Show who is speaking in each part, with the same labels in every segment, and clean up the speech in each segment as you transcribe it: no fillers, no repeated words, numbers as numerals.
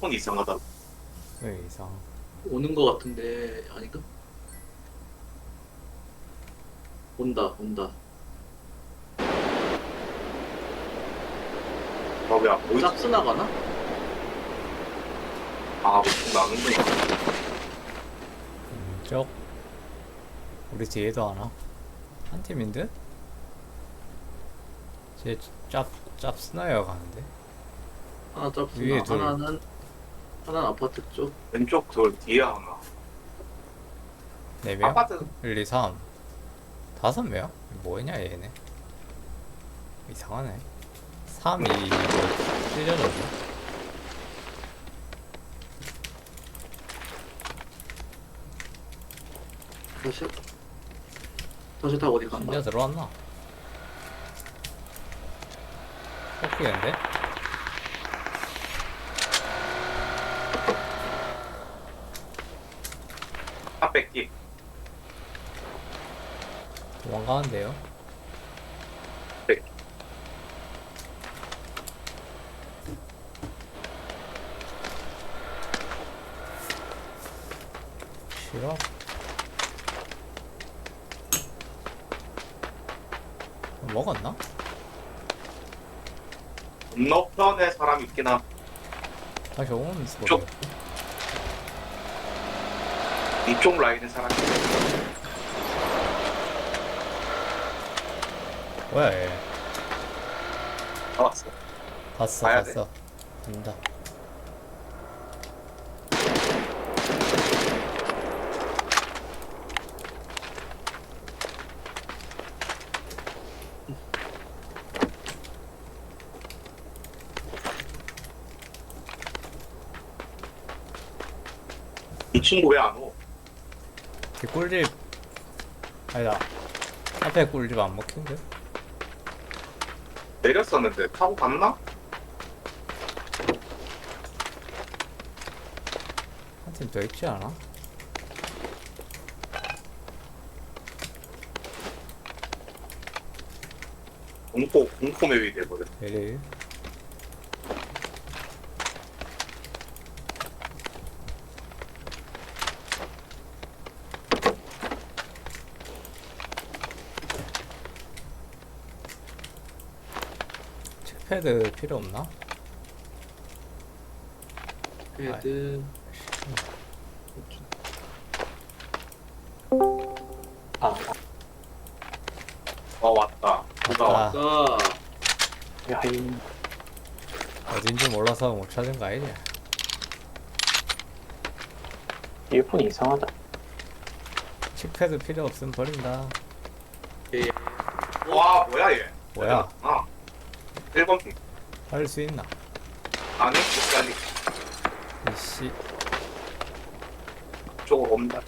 Speaker 1: 폰 이상하다.
Speaker 2: 왜 이상?
Speaker 3: 오는 거 같은데 아닌가? 온다.
Speaker 1: 왜안 보이지?
Speaker 3: 짝스 나가나?
Speaker 1: 아, 보통 나는구나.
Speaker 2: 쪽 우리 뒤에도 하나? 한 팀인데? 쟤짭 스나이어 가는데?
Speaker 3: 하나 짝스
Speaker 2: 위에
Speaker 3: 나.
Speaker 2: 둘.
Speaker 3: 하나는 아파트 쪽.
Speaker 1: 왼쪽 돌 뒤에 하나.
Speaker 2: 4명?
Speaker 1: 아파트
Speaker 2: 1, 2, 3 5명? 뭐냐 얘네 이상하네 3, 2 이거 찔려졌네
Speaker 3: 다시 타고 어디 간다?
Speaker 2: 진짜 들어왔나? 뽑히겠는데?
Speaker 1: 다 뺏기.
Speaker 2: 도망가는데요?
Speaker 1: 네.
Speaker 2: 싫어? 먹었나?
Speaker 1: 건너편에 사람 있긴 함.
Speaker 2: 다시 오는 소리
Speaker 1: 쪽. 이쪽 라인에 사람 있긴
Speaker 2: 뭐야 얘
Speaker 1: 나왔어.
Speaker 2: 봤어
Speaker 1: 가야 돼.
Speaker 2: 봤어 간다
Speaker 1: 이 친구 왜 안 오?
Speaker 2: 뒷꿀집 아니다 앞에 꿀집 안 먹힌데?
Speaker 1: 내렸었는데 타고 갔나?
Speaker 2: 한 팀 더 있지 않아?
Speaker 1: 공포 맵이 돼버려.
Speaker 2: 에이 책패드 필요 없나?
Speaker 3: 헤드.
Speaker 1: 왔다. 누가
Speaker 2: 아.
Speaker 1: 왔다.
Speaker 3: 가.
Speaker 1: 야이.
Speaker 2: 어딘지 몰라서 못 찾은 거 아니냐?
Speaker 4: 이어폰이 이상하다.
Speaker 2: 칙패드 필요 없으면 버린다.
Speaker 3: 예.
Speaker 1: 와, 뭐야 얘?
Speaker 2: 뭐야?
Speaker 1: 아, 1번 핑.
Speaker 2: 할 수 있나?
Speaker 1: 아니, 끝까지
Speaker 2: 이씨,
Speaker 1: 쪽으로 옵니다.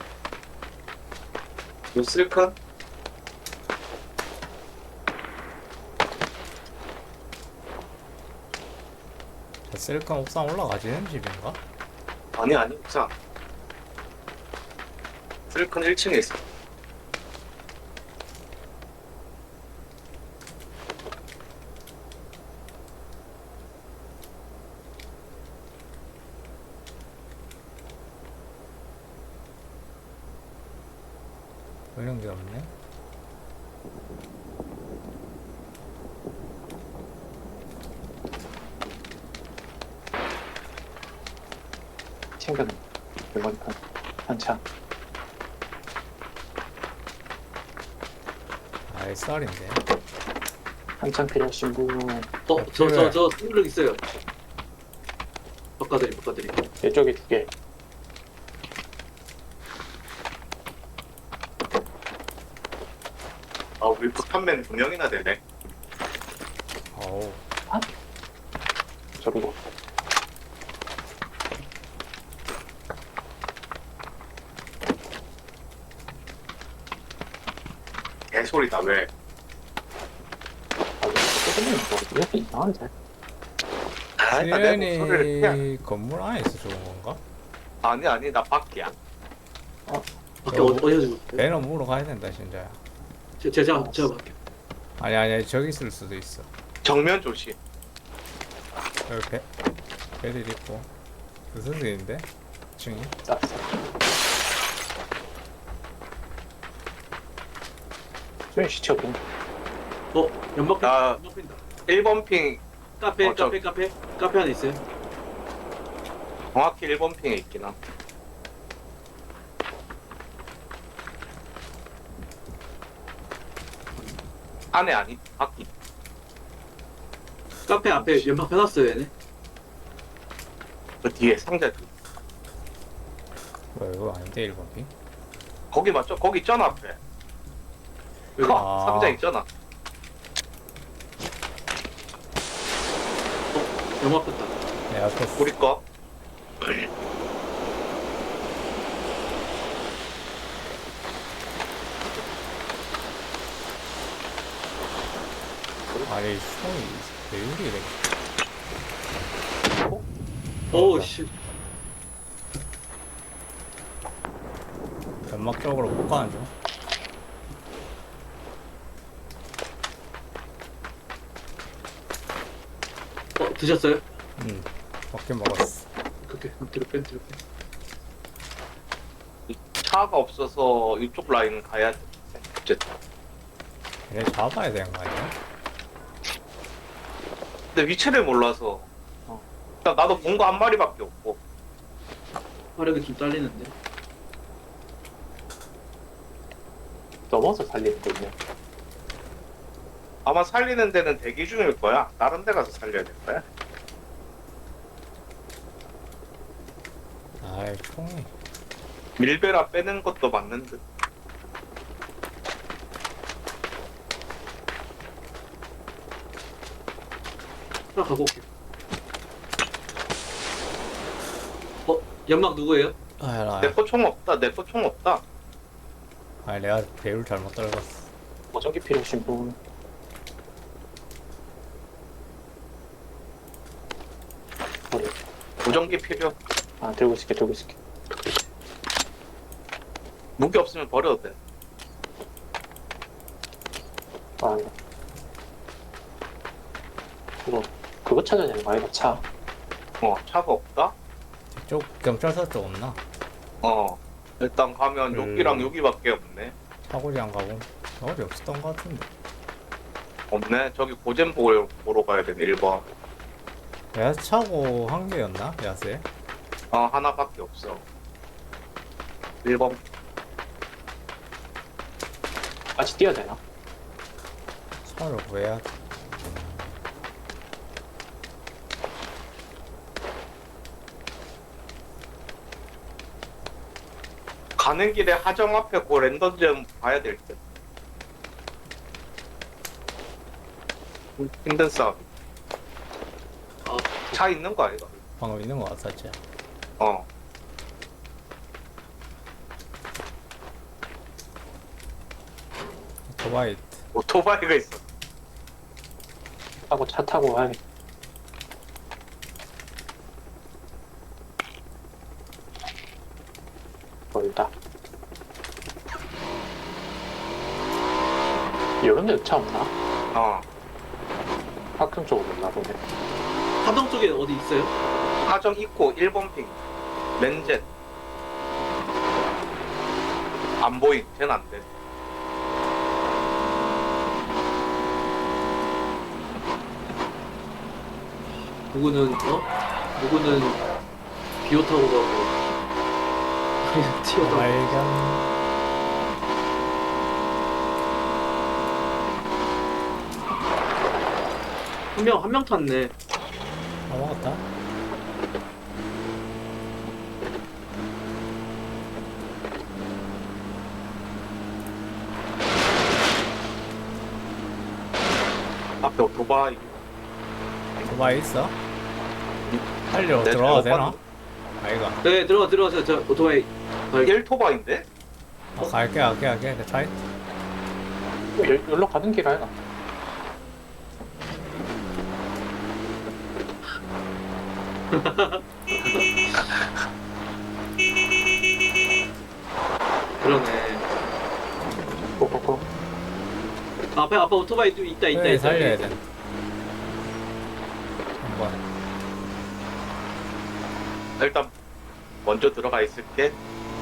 Speaker 1: 요 슬큰?
Speaker 2: 저 셀컨 옥상 올라가지는 집인가?
Speaker 1: 아니, 옥상. 슬큰 1층에 있어.
Speaker 2: 이런 게 없네.
Speaker 4: 챙겨놓은 메모리판 한창.
Speaker 2: SR인데.
Speaker 4: 한창 필요하신 분
Speaker 3: 저 뚫려 있어요. 바꿔드림.
Speaker 4: 이쪽에 2개.
Speaker 1: 아, 우리 북한맨 2명이나 되네.
Speaker 2: 어우,
Speaker 4: 저기고.
Speaker 1: 개소리다, 왜?
Speaker 4: 조금은 이어폰 이상한데.
Speaker 1: 아, 내가 목소리를 그냥.
Speaker 2: 수련이 건물 안에서 좋은 건가?
Speaker 1: 아니, 나 밖이야.
Speaker 3: 밖에 어디서
Speaker 2: 배너 물어 가야 된다, 진짜야.
Speaker 3: 제가 할게요.
Speaker 2: 아니, 저기 있을 수도 있어.
Speaker 1: 정면 조심.
Speaker 2: 여기 배들 있고. 무슨 일인데? 층이?
Speaker 4: 쌌어. 왜 시체 없냐?
Speaker 3: 연막
Speaker 1: 나-
Speaker 3: 연막 핀다.
Speaker 1: 1번 핑
Speaker 3: 카페
Speaker 1: 저-
Speaker 3: 카페 안에 있어요.
Speaker 1: 정확히 1번 핑에 있긴 함. 안에 아니 밖이.
Speaker 3: 카페 앞에 연막 펴놨어요 얘네.
Speaker 1: 그 뒤에 상자
Speaker 2: 뭐야 이거 아닌데 1번 핑?
Speaker 1: 거기 맞죠? 거기 있잖아 앞에.
Speaker 3: 여기.
Speaker 2: 아.
Speaker 1: 상자 있잖아.
Speaker 3: 연막 폈다.
Speaker 2: 내 앞에
Speaker 1: 우리 거.
Speaker 2: 아니 총이 왜 이래
Speaker 3: 오우 씨.
Speaker 2: 연막 쪽으로 못 가는 중.
Speaker 3: 드셨어요?
Speaker 2: 먹긴 먹었어.
Speaker 3: 그렇게 뒤로 뺀.
Speaker 1: 차가 없어서 이쪽 라인 가야 돼. 어쨌든.
Speaker 2: 얘네 잡아야 되는 거 아니야?
Speaker 1: 근데 위치를 몰라서. 일단 나도 본 거 한 마리밖에 없고.
Speaker 3: 화력이 좀 딸리는데.
Speaker 4: 넘어서 살리는 거냐?
Speaker 1: 아마 살리는 데는 대기 중일 거야. 다른 데 가서 살려야 될 거야.
Speaker 2: 아이 총이
Speaker 1: 밀베라 빼는 것도 맞는 듯.
Speaker 3: 하나 가고 올게요. 연막 누구예요?
Speaker 2: 아야
Speaker 1: 내 거 총 없다. 내 거 총 없다.
Speaker 2: 아니 내가 배율 잘못 떨궜어.
Speaker 4: 보정기 필요하신 분. 어려.
Speaker 1: 보정기 필요.
Speaker 4: 아, 들고 있을게, 들고 있을게.
Speaker 1: 무기 없으면 버려도 돼.
Speaker 4: 아, 이거. 그거 찾아야 되는 거 아이가 차.
Speaker 1: 차가 없다?
Speaker 2: 쪽 경찰서 쪽 없나?
Speaker 1: 일단 가면 여기랑 여기밖에 없네.
Speaker 2: 차고지 안 가고 어디 없었던 거 같은데.
Speaker 1: 없네. 저기 고젠 보러 가야 되네. 1번.
Speaker 2: 야스 차고 한 개였나? 야스에?
Speaker 1: 하나밖에 없어. 1번.
Speaker 4: 같이 뛰어야 되나?
Speaker 2: 차를 구해야 돼.
Speaker 1: 가는 길에 하정 앞에 그 랜덤 좀 봐야 될 듯. 힘든 싸움.
Speaker 3: 아,
Speaker 1: 차 있는 거 아이가?
Speaker 2: 방금 있는 거 같았지?
Speaker 1: 어.
Speaker 2: 오토바이
Speaker 1: 오토바이가 있어.
Speaker 4: 하고 차 타고 가야 멀다. 이런 데도 차 없나?
Speaker 1: 어.
Speaker 4: 학교 쪽으로 없나 보네.
Speaker 3: 하동 쪽에 어디 있어요?
Speaker 1: 하정 있고 1번 핑. 렌젯. 안 보임. 쟤는 안 돼.
Speaker 3: 누구는 비오 타고 가고 튀어나와.
Speaker 2: 발견.
Speaker 3: 한 명 탔네.
Speaker 2: 다 먹었다.
Speaker 1: 앞에 오토바이.
Speaker 2: 오토바이 있어? 살려
Speaker 1: 내
Speaker 2: 들어가도
Speaker 1: 잘못
Speaker 2: 되나? 아이가.
Speaker 3: 네, 들어가세요. 저 오토바이.
Speaker 1: 1토바인데?
Speaker 2: 갈게. 내 차에.
Speaker 4: 여기로 가는 길 아이가?
Speaker 3: 그러네.
Speaker 4: 꼬꼬꼬.
Speaker 3: 앞에 오토바이 또 있다.
Speaker 2: 그래, 살려야 돼. 한번.
Speaker 1: 일단 먼저 들어가 있을게.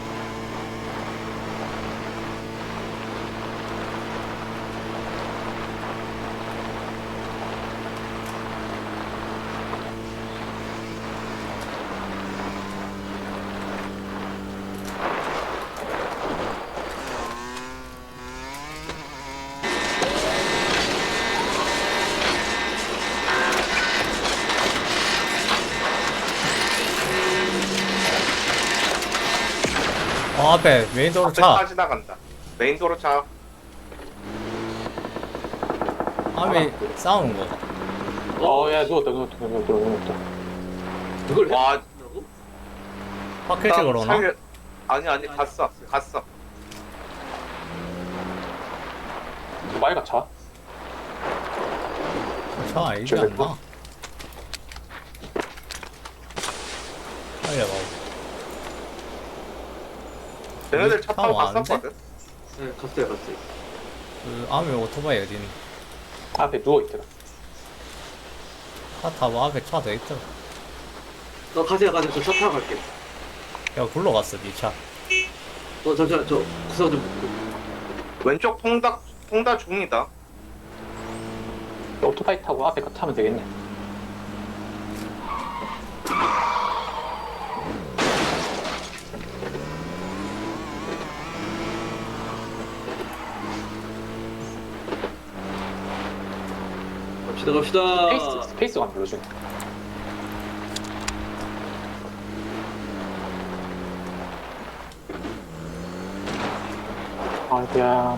Speaker 2: 앞에 메인 도로
Speaker 1: 앞에 차
Speaker 2: 차.
Speaker 1: 지나간다. 메인 도로 차.
Speaker 2: 앞에 싸우는 거.
Speaker 4: 야, 누웠다.
Speaker 3: 그걸
Speaker 1: 와,
Speaker 3: 했다고?
Speaker 2: 파켓 찍으러 오나?
Speaker 1: 아니 갔어.
Speaker 4: 두바이가 차?
Speaker 2: 차 아니지
Speaker 4: 저기
Speaker 2: 않나? 빨리 봐.
Speaker 1: 쟤네들 차 타고
Speaker 2: 차 왔는데?
Speaker 1: 갔었거든.
Speaker 3: 네, 갔어요.
Speaker 2: 그 앞에 오토바이 어디 있니?
Speaker 4: 앞에 누워있더라.
Speaker 2: 차 타고 앞에 차 더 있더라.
Speaker 3: 가세요. 저 차 타고 갈게요.
Speaker 2: 야 굴러갔어 니 차.
Speaker 3: 잠시만, 저 구석 좀 먹고.
Speaker 1: 왼쪽 통다 중이다.
Speaker 4: 오토바이 타고 앞에 거 타면 되겠네.
Speaker 3: 갑시다.
Speaker 4: 스페이스가 안 불러주네. 아이고야.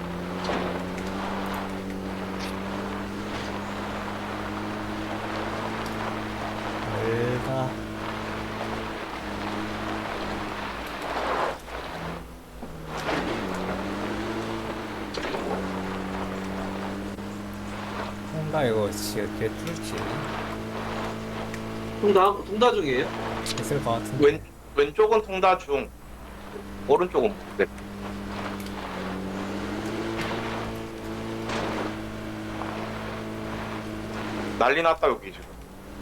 Speaker 2: 멀다. 뭔가 이거 진짜 개뚫지
Speaker 3: 통다 중이에요?
Speaker 2: 있을 것 같은데.
Speaker 1: 왼쪽은 통다 중. 오른쪽은 모르겠다. 난리 났다 여기 지금.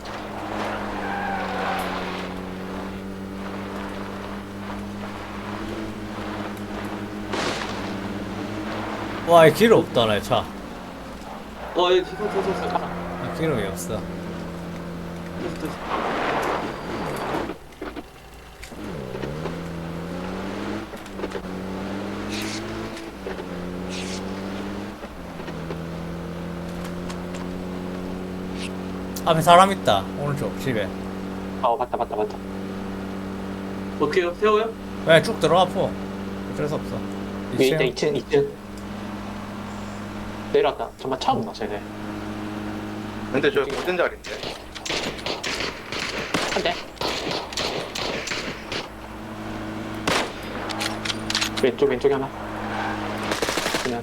Speaker 2: 와, 이 길 없다, 내 차.
Speaker 3: 예, 탔어.
Speaker 2: 이 기름이 없어. 앞에 사람 있다. 오른쪽 집에.
Speaker 4: 맞다.
Speaker 3: 어떻게 해요? 세워요?
Speaker 2: 그냥 쭉 들어가 포. 어쩔 수 없어.
Speaker 4: 위에 있다,
Speaker 2: 2층.
Speaker 4: 2층. 내려왔다. 정말 차 없나, 쟤네.
Speaker 1: 근데 저 무슨 자리인데?
Speaker 4: 한 대. 왼쪽에 하나. 그냥.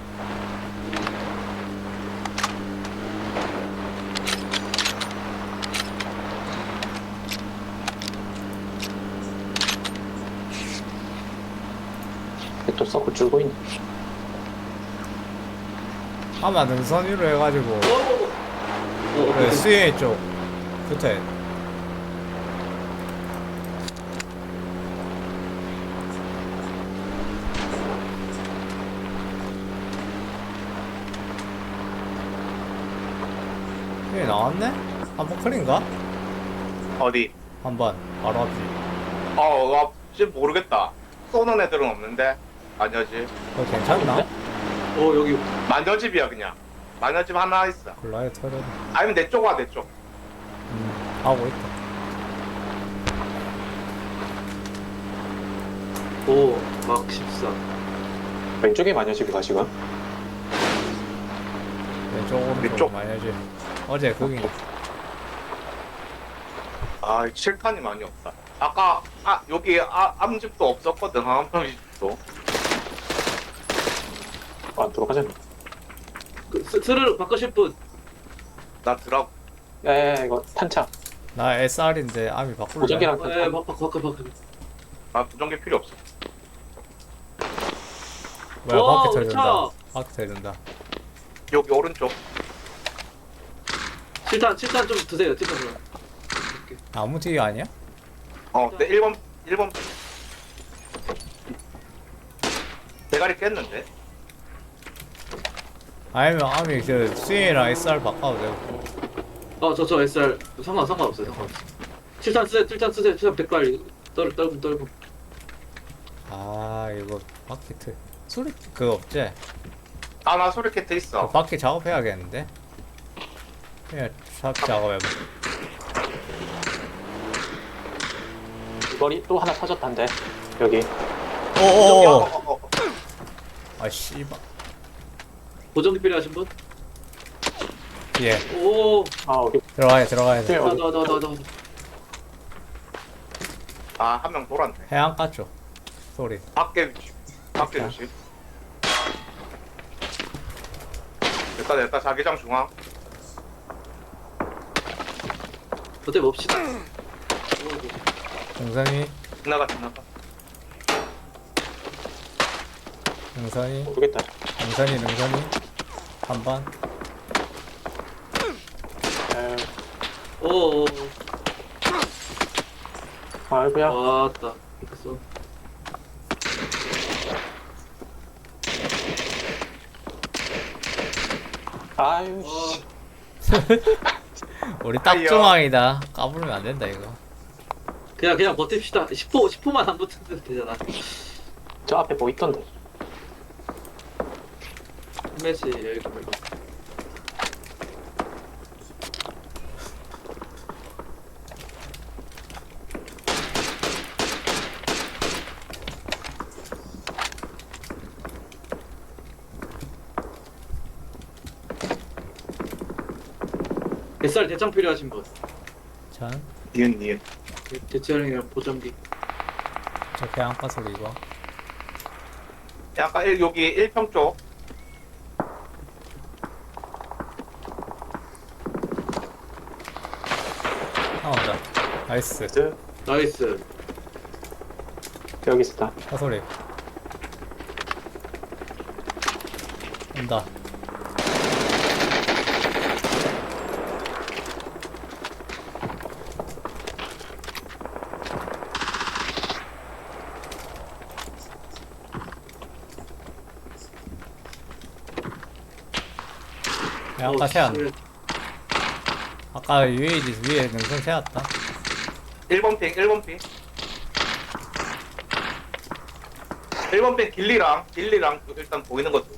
Speaker 4: 또 서클 줄고 있네.
Speaker 2: 아마 능선 위로 해가지고 그
Speaker 3: 오케이.
Speaker 2: 수혜 쪽 붙어야 돼. 여기 나왔네? 한번 클린가?
Speaker 1: 어디?
Speaker 2: 한번 바로 앞이.
Speaker 1: 지금 모르겠다. 쏘는 애들은 없는데. 마녀집.
Speaker 2: 괜찮나?
Speaker 3: 여기.
Speaker 1: 마녀집이야 그냥. 마녀집 하나 있어.
Speaker 2: 글라이 터졌네.
Speaker 1: 아니면 내 쪽 와, 내 쪽.
Speaker 2: 하고 있다.
Speaker 3: 막 14.
Speaker 4: 왼쪽에 마녀집이가 지금.
Speaker 2: 왼쪽 오른쪽
Speaker 1: 위쪽.
Speaker 2: 많이 해지. 어제 거기
Speaker 1: 아, 칠탄이 많이 없다. 아까 여기 암집도 없었거든. 항암집도.
Speaker 4: 들어가자.
Speaker 3: 스를 바꾸실 분.
Speaker 1: 나 드라고.
Speaker 4: 야, 이거 탄창.
Speaker 2: 나 SR인데 암이 바꿀래.
Speaker 4: 무전기랑
Speaker 3: 예,
Speaker 4: 탄창.
Speaker 3: 바꿔.
Speaker 1: 나 부정기 필요 없어.
Speaker 2: 뭐야
Speaker 3: 와,
Speaker 2: 바퀴
Speaker 3: 우리
Speaker 2: 터진다. 바퀴 터진다.
Speaker 1: 여기 오른쪽.
Speaker 3: 7탄 좀 드세요. 7탄 좀.
Speaker 2: 나무 뒤 아니야?
Speaker 1: 네, 1번 대가리 깼는데.
Speaker 2: 아니면 아미 저 스윙이랑 SR 바꿔도 되고.
Speaker 3: 저 SR 상관없어요. 칠탄 쓰세요. 칠탄 백발 떨고.
Speaker 2: 아 이거 바퀴 소리 그거 없지?
Speaker 1: 아, 나 소리캐트
Speaker 2: 그
Speaker 1: 있어.
Speaker 2: 바퀴 작업해야겠는데? 그냥 샵 작업해봐.
Speaker 4: 이거리 또 하나 터졌단데. 여기.
Speaker 2: 오오오. 아 씨발.
Speaker 3: 보정기 필요하신 분?
Speaker 2: 예.
Speaker 3: 오.
Speaker 4: 아, 여기.
Speaker 2: 들어가야 돼.
Speaker 4: 여기.
Speaker 3: 나.
Speaker 1: 아, 한 명 돌았네.
Speaker 2: 해안가 쪽 소리.
Speaker 1: 밖에 조심. 됐다. 자기장 중앙.
Speaker 3: 어때 봅시다.
Speaker 2: 능선이
Speaker 1: 지나가.
Speaker 4: 모르겠다.
Speaker 2: 능선이 한번.
Speaker 4: 에,
Speaker 3: 오.
Speaker 4: 아이고야.
Speaker 3: 왔다. 됐어.
Speaker 4: 아유,
Speaker 3: 어.
Speaker 4: 씨.
Speaker 2: 우리 딱
Speaker 1: 아이요.
Speaker 2: 중앙이다. 까부르면 안 된다 이거.
Speaker 3: 그냥 버팁시다. 10호만 안 붙으면 되잖아.
Speaker 4: 저 앞에 뭐 있던데.
Speaker 3: 매치 여기 가면. SR 대장 필요하신 분.
Speaker 2: 전
Speaker 1: 니은.
Speaker 3: 대체형이랑 보정기.
Speaker 2: 저 해안가 소리 이거.
Speaker 1: 약간 여기 1평 쪽.
Speaker 2: 하나 온다. 나이스.
Speaker 3: 나이스.
Speaker 4: 여기 있었다.
Speaker 2: 차 소리. 온다. 아까 세웠네.
Speaker 3: 쉣.
Speaker 2: 아까 UAG 위에 능선 세웠다.
Speaker 1: 1번 핑. 1번 핑 길리랑 일단 보이는 것도.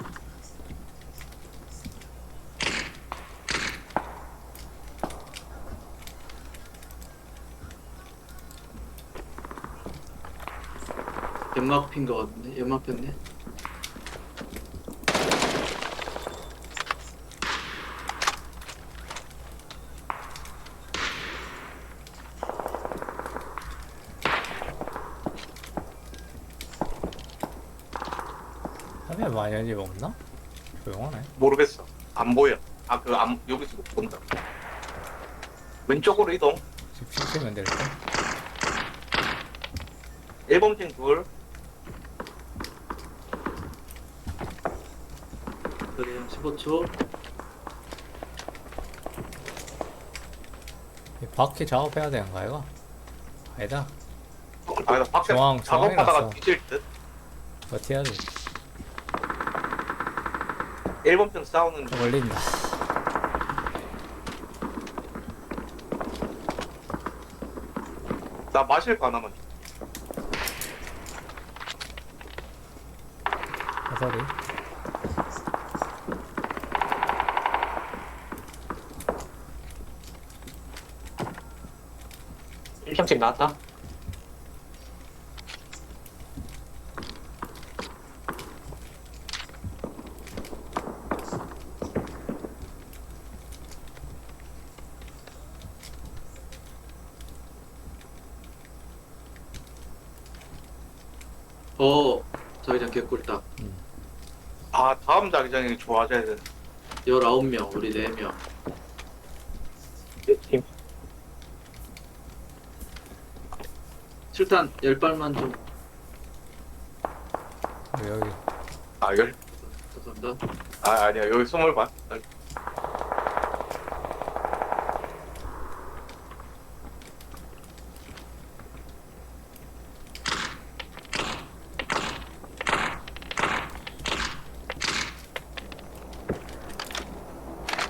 Speaker 3: 연막 핀 거 같은데? 연막 폈네?
Speaker 2: 하면 마녀집 없나? 조용하네.
Speaker 1: 모르겠어. 안 보여. 여기서 못 본다. 왼쪽으로 이동.
Speaker 2: 집 시키면 될 듯.
Speaker 1: 1번 핑 둘.
Speaker 3: 그래요. 15초.
Speaker 2: 이 바퀴 작업해야 되는 거야 이거? 아니다.
Speaker 1: 아, 나 밖에
Speaker 2: 중앙,
Speaker 1: 작업하다가
Speaker 2: 중앙이라서.
Speaker 1: 뒤질 듯.
Speaker 2: 버텨야지.
Speaker 1: 1번 핑 싸우는 중.
Speaker 2: 걸린다.
Speaker 1: 나 마실 거 하나만.
Speaker 2: 차 소리.
Speaker 4: 일평집 나왔다.
Speaker 3: 자기장 개꿀딱.
Speaker 1: 아, 다음 자기장이 좋아져야 돼.
Speaker 3: 19명, 우리 4명.
Speaker 4: 팀.
Speaker 3: 7탄 10발만 좀.
Speaker 2: 여기.
Speaker 1: 아, 열.
Speaker 3: 감사합니다.
Speaker 1: 아, 아니야. 여기 20발.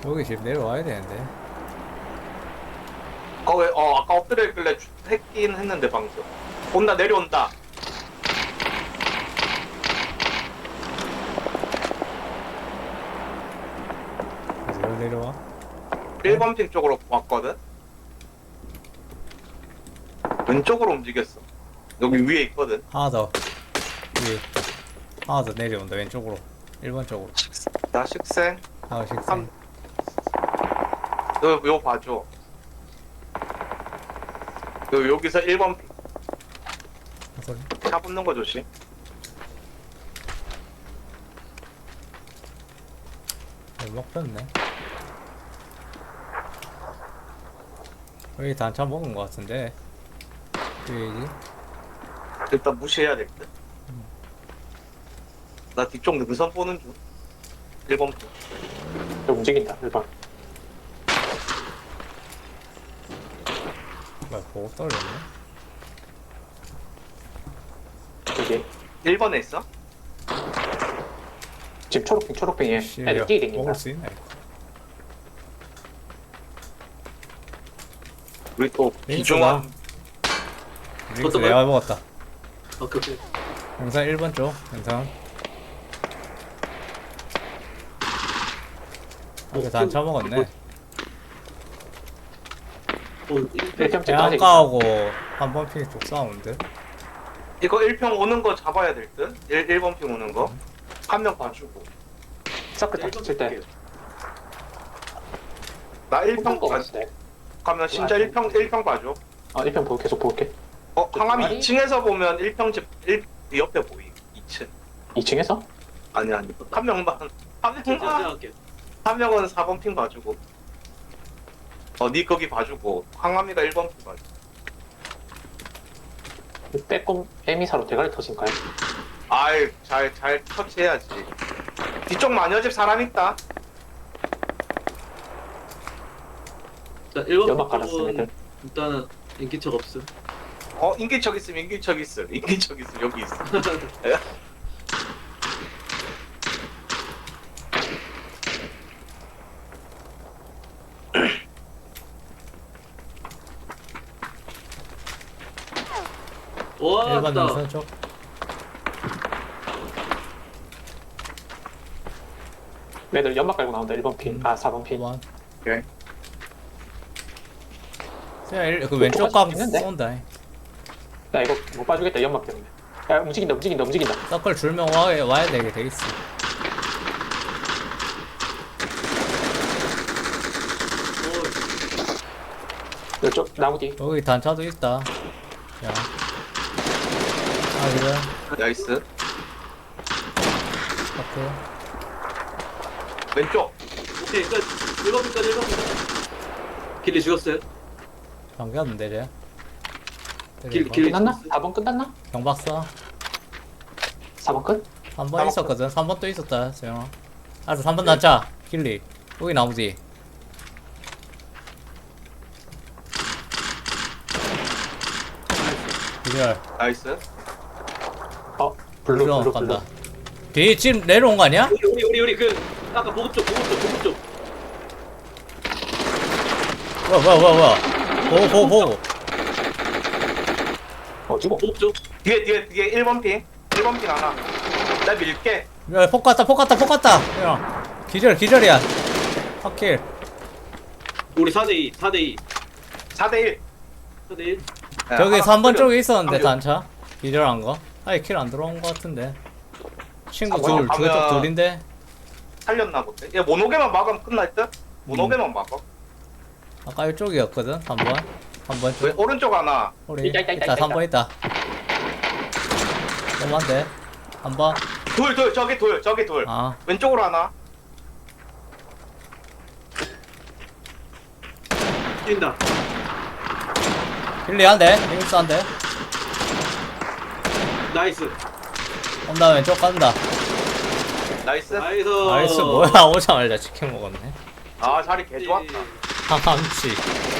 Speaker 2: 여기 집 내려와야 되는데.
Speaker 1: 거기 아까 엎드려 있길래 했긴 했는데 방금. 온다 내려온다.
Speaker 2: 어디로 내려와?
Speaker 1: 1번 핑 쪽으로 왔거든. 왼쪽으로 움직였어. 여기 위에 있거든.
Speaker 2: 하나 더 위에 있다. 하나 더 내려온다 왼쪽으로. 1번 쪽으로.
Speaker 1: 나 식생.
Speaker 2: 하나 식생.
Speaker 1: 한- 너 봐줘. 너 여기서 1번
Speaker 2: 소리.
Speaker 1: 차 붙는 거 조심.
Speaker 2: 먹혔네. 여기 단차 먹은 거 같은데. 여기지?
Speaker 1: 일단 무시해야 될 듯. 나 뒤쪽 능선 보는 중. 1번 핑.
Speaker 4: 저 움직인다 1번.
Speaker 2: 뭐야 보고 떨어졌네.
Speaker 4: 여기
Speaker 1: 1번에 있어?
Speaker 4: 지금 초록핑에
Speaker 2: 씨,
Speaker 4: 애들
Speaker 2: 야,
Speaker 4: 뛰댕긴다.
Speaker 2: 먹을 수 있나 이거.
Speaker 1: 우리 또
Speaker 2: 링크다.
Speaker 1: 비중한
Speaker 2: 링크
Speaker 3: 어떤
Speaker 2: 내가 먹었다.
Speaker 3: 오케이 오케이.
Speaker 2: 영상 1번 쪽. 영상. 여기 단차 먹었네.
Speaker 3: 어,
Speaker 4: 1평집
Speaker 2: 야,
Speaker 4: 까지
Speaker 2: 아까하고 한번 핑 쪽 싸우는데.
Speaker 1: 이거 1평 오는 거 잡아야 될 듯? 1번 핑 오는 거. 한 명 봐주고.
Speaker 4: 서클 닥칠 때
Speaker 1: 나
Speaker 4: 한
Speaker 1: 1평
Speaker 4: 거
Speaker 1: 봐.
Speaker 4: 같은데.
Speaker 1: 가면 진짜 1평 봐줘.
Speaker 4: 1평 보고 계속 볼게.
Speaker 1: 항암이
Speaker 4: 아니?
Speaker 1: 2층에서 보면 1평집 옆에 보이. 2층.
Speaker 4: 2층에서?
Speaker 1: 아니. 한 명만. 한
Speaker 3: 제가
Speaker 1: 명만.
Speaker 3: 생각할게.
Speaker 1: 한 명은 4번 핑 봐주고. 니 거기 봐주고. 항암이가 1번 핑 봐줘.
Speaker 4: 빼꼼 에미사로 대가리 터진가요?
Speaker 1: 아이, 잘 터치해야지. 뒤쪽 마녀집 사람 있다.
Speaker 3: 자 1번
Speaker 4: 연막 깔았음 애들.
Speaker 3: 일단은 인기척 없음.
Speaker 1: 인기척 있음. 인기척 있음. 여기 있어.
Speaker 3: 와
Speaker 2: 1번
Speaker 3: 맞다.
Speaker 2: 영상 쪽.
Speaker 4: 애들 연막 깔고 나온다 1번 핀. 4번 핀.
Speaker 2: 1번.
Speaker 1: 오케이.
Speaker 2: 그 왼쪽 각
Speaker 4: 있는데?
Speaker 2: 쏜다.
Speaker 4: 나 이거 못 봐주겠다 연막 때문에. 야 움직인다.
Speaker 2: 서클 줄면 와야 되게 돼 있어.
Speaker 4: 이쪽 나무 뒤.
Speaker 2: 여기 단차도 있다. 야. 그래.
Speaker 1: 나이스.
Speaker 2: 서클.
Speaker 1: 왼쪽.
Speaker 3: 오케이 끝. 1번까지 1번. 길리 죽었어요.
Speaker 2: 당겼는데 쟤.
Speaker 3: 길-
Speaker 4: 끝났나? 4번 끝났나?
Speaker 2: 경박사.
Speaker 4: 4번 끝?
Speaker 2: 3번 있었거든. 3번 또 있었다. 재영아. 알았어. 3번 단차. 길리. 여기 나무 뒤. 기절.
Speaker 1: 나이스.
Speaker 4: 블루.
Speaker 2: 간다. 뒤 지금 내려온 거 아니야?
Speaker 3: 우리 그 아까 보급 쪽.
Speaker 2: 뭐야. 보고.
Speaker 4: 어디고?
Speaker 3: 보급 쪽.
Speaker 1: 뒤에 1번 핑. 1번 핑 하나. 나 밀게.
Speaker 2: 야, 폭 갔다. 야. 기절이야. 확킬.
Speaker 3: 우리 4대2 4대2
Speaker 1: 4대1.
Speaker 3: 4대1.
Speaker 2: 저기 3번 쪽에 있었는데
Speaker 1: 한 명.
Speaker 2: 단차. 기절한 거. 아니 킬 안 들어온 거 같은데. 친구
Speaker 1: 3번
Speaker 2: 저쪽
Speaker 1: 가면-
Speaker 2: 둘인데.
Speaker 1: 살렸나 본데. 얘 모노게만 막으면 끝날 듯? 모노게만 막아.
Speaker 2: 아까 이쪽이었거든. 3번. 3번
Speaker 1: 왜
Speaker 2: 쪽.
Speaker 1: 오른쪽 하나.
Speaker 2: 우리
Speaker 4: 있다.
Speaker 2: 3번 있다. 너무한데. 3번.
Speaker 1: 저기 둘.
Speaker 2: 아.
Speaker 1: 왼쪽으로 하나.
Speaker 3: 뛴다.
Speaker 2: 길리 한 대. 링스 한 대.
Speaker 3: 나이스.
Speaker 2: 온다 왼쪽 간다.
Speaker 1: 나이스.
Speaker 3: 나이스.
Speaker 2: 나이스 뭐야. 오자마자 치킨 먹었네.
Speaker 1: 아, 자리 개 좋았다.
Speaker 2: 함치.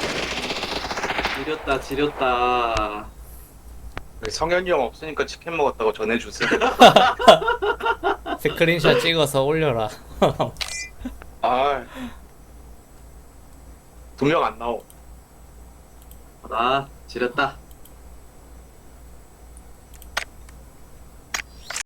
Speaker 3: 지렸다.
Speaker 1: 성현이 형 없으니까 치킨 먹었다고 전해주세요.
Speaker 2: 스크린샷 찍어서 올려라.
Speaker 1: 아, 두 명 안 나오.
Speaker 3: 아 지렸다.